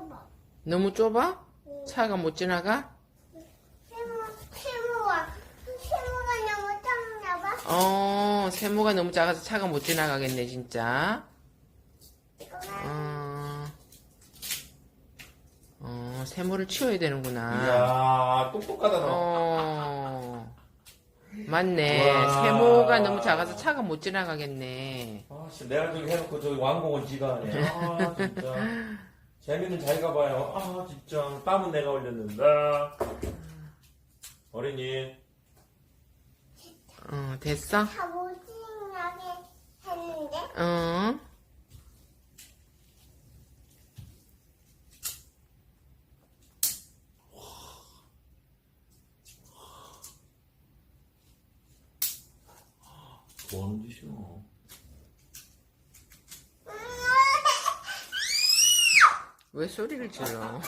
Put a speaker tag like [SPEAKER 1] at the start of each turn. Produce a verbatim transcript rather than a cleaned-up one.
[SPEAKER 1] 좁아.
[SPEAKER 2] 너무 좁아?
[SPEAKER 1] 응.
[SPEAKER 2] 차가 못 지나가?
[SPEAKER 1] 세모, 세모가, 세모가 너무 작나 봐.
[SPEAKER 2] 어, 세모가 너무 작아서 차가 못 지나가겠네, 진짜.
[SPEAKER 1] 이거가
[SPEAKER 2] 어, 어, 세모를 치워야 되는구나.
[SPEAKER 3] 이야, 똑똑하다, 너.
[SPEAKER 2] 어, 맞네.
[SPEAKER 3] 우와.
[SPEAKER 2] 세모가 너무 작아서 차가 못 지나가겠네.
[SPEAKER 3] 아, 씨, 내가 저기 해놓고 저기 왕복은 지가 하네. 아, 진짜. 재미는 잘 가봐요. 아, 진짜. 땀은 내가 흘렸는데. 어린이.
[SPEAKER 2] 어, 됐어?
[SPEAKER 1] 다 못지나게 했는데.
[SPEAKER 2] 어.
[SPEAKER 3] 뭐 하는 짓이야?
[SPEAKER 2] 왜 소리를 질러?